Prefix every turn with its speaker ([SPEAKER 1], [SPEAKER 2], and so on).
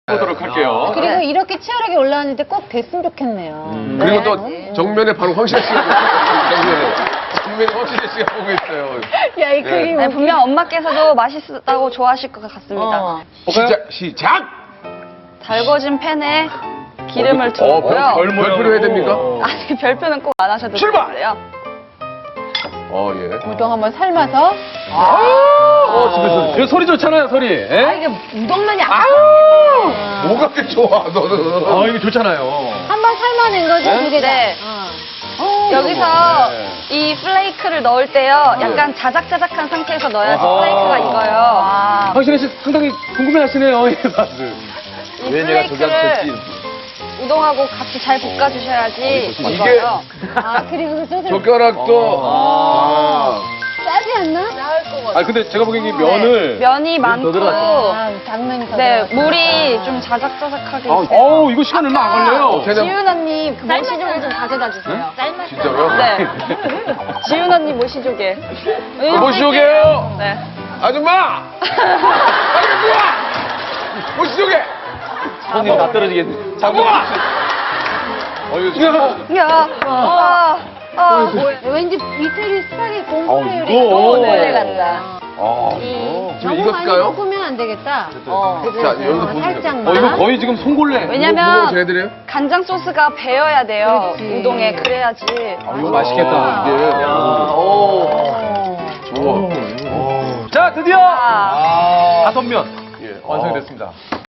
[SPEAKER 1] 보도록 할게요.
[SPEAKER 2] 그리고 이렇게 치열하게 올라왔는데 꼭 됐으면 좋겠네요.
[SPEAKER 3] 그리고 또 정면에 바로 황실혜 씨가 정면에 황실혜 씨가 보고 있어요.
[SPEAKER 2] 야, 이 그림.
[SPEAKER 4] 네, 분명 엄마께서도 맛있다고 좋아하실 것 같습니다.
[SPEAKER 3] 시작!
[SPEAKER 4] 달궈진 팬에 기름을 두르고요.
[SPEAKER 3] 별표로 해야 됩니까?
[SPEAKER 4] 아니, 별표는 꼭 안 하셔도
[SPEAKER 3] 출발!
[SPEAKER 4] 돼요.
[SPEAKER 3] 예.
[SPEAKER 2] 우동 한번 삶아서.
[SPEAKER 1] 이거 소리 좋잖아요, 소리. 예?
[SPEAKER 2] 이게 우동만이
[SPEAKER 3] 뭐가 그렇게 좋아, 너는?
[SPEAKER 1] 이거 좋잖아요.
[SPEAKER 2] 한번 삶아낸 거죠, 두 개 다.
[SPEAKER 4] 네. 여기서 이 플레이크를 넣을 때요, 약간 자작자작한 상태에서 넣어야지 플레이크가 익어요.
[SPEAKER 1] 황신혜 씨 상당히 궁금해하시네요, 이 맛을.
[SPEAKER 4] 이 플레이크를 우동하고 같이 잘 볶아주셔야지 익어요.
[SPEAKER 2] 그리고 저
[SPEAKER 3] 젓가락도.
[SPEAKER 2] 짜지 않나?
[SPEAKER 1] 근데 제가 보기엔 이 면을.
[SPEAKER 4] 면이 많고,
[SPEAKER 2] 당면이 더
[SPEAKER 4] 네,
[SPEAKER 2] 들어갔구나.
[SPEAKER 4] 물이 좀 자작자작하게 있어요.
[SPEAKER 1] 이거 시간 얼마 안 걸려요.
[SPEAKER 4] 지윤 언니 그 모시조개 좀 가져다 주세요.
[SPEAKER 3] 진짜로요?
[SPEAKER 4] 네. 지윤 언니 모시조개.
[SPEAKER 3] 모시조개요!
[SPEAKER 4] 네.
[SPEAKER 3] 아줌마! 아줌마! 모시조개!
[SPEAKER 1] 손이 다 떨어지겠네.
[SPEAKER 3] 장모가!
[SPEAKER 4] 야,
[SPEAKER 2] 왠지 이태리 스파게티 공포 요리
[SPEAKER 1] 이거.
[SPEAKER 4] 네, 같다.
[SPEAKER 3] 지금
[SPEAKER 2] 너무 많이
[SPEAKER 3] 익었을까요?
[SPEAKER 2] 볶으면 안 되겠다.
[SPEAKER 3] 자, 여기서 보시면
[SPEAKER 2] 살짝만.
[SPEAKER 1] 이거 거의 지금 송골레.
[SPEAKER 4] 왜냐면
[SPEAKER 3] 제가 해드려요?
[SPEAKER 4] 간장 소스가 배어야 돼요.
[SPEAKER 2] 그렇지.
[SPEAKER 4] 우동에 그래야지.
[SPEAKER 1] 이거 맛있겠다.
[SPEAKER 3] 이게. 좋아.
[SPEAKER 1] 자, 드디어
[SPEAKER 4] 아.
[SPEAKER 1] 5면
[SPEAKER 3] 예.
[SPEAKER 1] 완성이 됐습니다.